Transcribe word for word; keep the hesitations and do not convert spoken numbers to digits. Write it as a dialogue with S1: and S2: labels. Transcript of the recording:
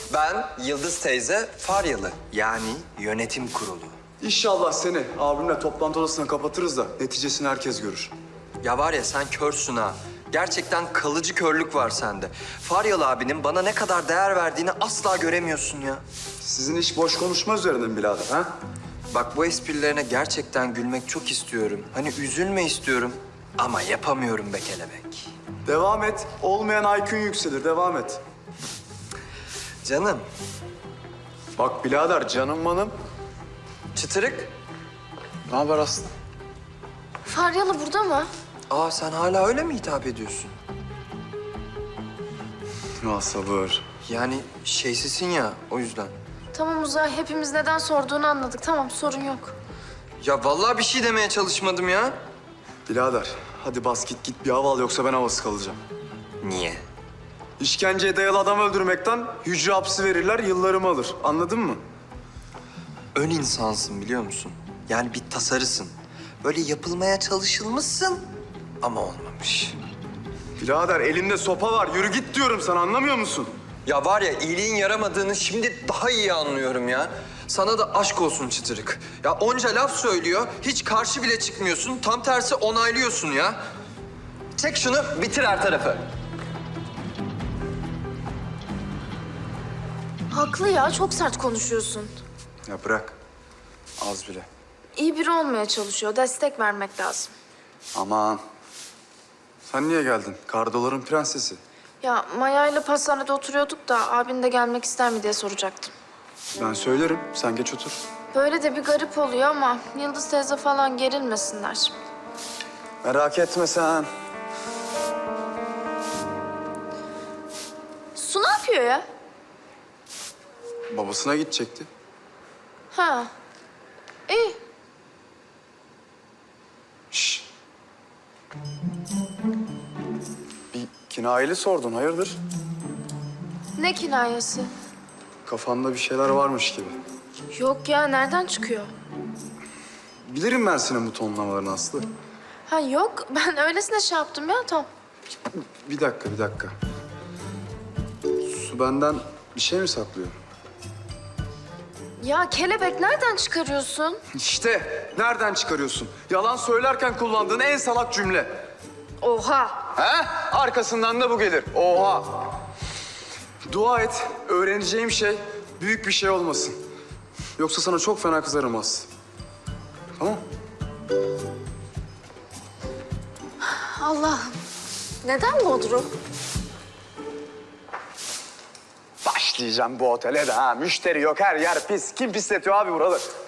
S1: Ben Yıldız teyze Faryalı. Yani yönetim kurulu.
S2: İnşallah seni abimle toplantı odasına kapatırız da neticesini herkes görür.
S1: Ya var ya sen körsün ha. Gerçekten kalıcı körlük var sende. Faryalı abinin bana ne kadar değer verdiğini asla göremiyorsun ya.
S2: Sizin iş boş konuşma üzerine mi birader ha?
S1: Bak bu esprilerine gerçekten gülmek çok istiyorum. Hani üzülme istiyorum ama yapamıyorum be kelebek.
S2: Devam et. Olmayan I Q'un yükselir. Devam et.
S1: Canım,
S2: Bak birader canım manım.
S1: çıtırık.
S2: Ne haber Aslı?
S3: Faryalı burada mı?
S1: Aa sen hala öyle mi hitap ediyorsun?
S2: Ya sabır.
S1: Yani şeysisin ya o yüzden.
S3: Tamam Uzay, hepimiz neden sorduğunu anladık. Tamam, sorun yok.
S1: Ya vallahi bir şey demeye çalışmadım ya.
S2: Birader hadi bas git git bir hava al yoksa ben havası kalacağım.
S1: Niye?
S2: İşkenceye dayalı adam öldürmekten hücre hapsi verirler yıllarımı alır. Anladın mı?
S1: Ön insansın biliyor musun? Yani bir tasarısın. Böyle yapılmaya çalışılmışsın ama olmamış.
S2: Birader elimde sopa var. Yürü git diyorum sana anlamıyor musun?
S1: Ya var ya iyiliğin yaramadığını şimdi daha iyi anlıyorum ya. Sana da aşk olsun çıtırık. Ya onca laf söylüyor, hiç karşı bile çıkmıyorsun. Tam tersi onaylıyorsun ya. Çek şunu, bitir her tarafı.
S3: Haklı ya, çok sert konuşuyorsun.
S2: Ya bırak. Az bile.
S3: İyi biri olmaya çalışıyor, destek vermek lazım.
S2: Aman. Sen niye geldin? Kardoların prensesi.
S3: Ya Maya ile pastanede oturuyorduk da abin de gelmek ister mi diye soracaktım.
S2: Ben söylerim. Sen geç otur.
S3: Böyle de bir garip oluyor ama Yıldız teyze falan gerilmesinler.
S2: Merak etme sen.
S3: Su ne yapıyor ya?
S2: Babasına gidecekti.
S3: Ha, iyi.
S2: Şş. Bir kinayeli sordun. Hayırdır?
S3: Ne kinayesi?
S2: Kafanda bir şeyler varmış gibi.
S3: Yok ya, nereden çıkıyor?
S2: Bilirim ben senin bu tonlamalarını Aslı.
S3: Ha yok, ben öylesine şey yaptım ya, tamam.
S2: Bir dakika, bir dakika. Su benden bir şey mi saklıyor?
S3: Ya kelebek nereden çıkarıyorsun?
S2: İşte nereden çıkarıyorsun? Yalan söylerken kullandığın en salak cümle.
S3: Oha!
S2: He? Arkasından da bu gelir. Oha! Dua et, öğreneceğim şey büyük bir şey olmasın. Yoksa sana çok fena kızarım Aslı. Tamam?
S3: Allah'ım. Neden Bodrum?
S2: Başlayacağım bu otele de ha. Müşteri yok, her yer pis. Kim pisletiyor abi buraları?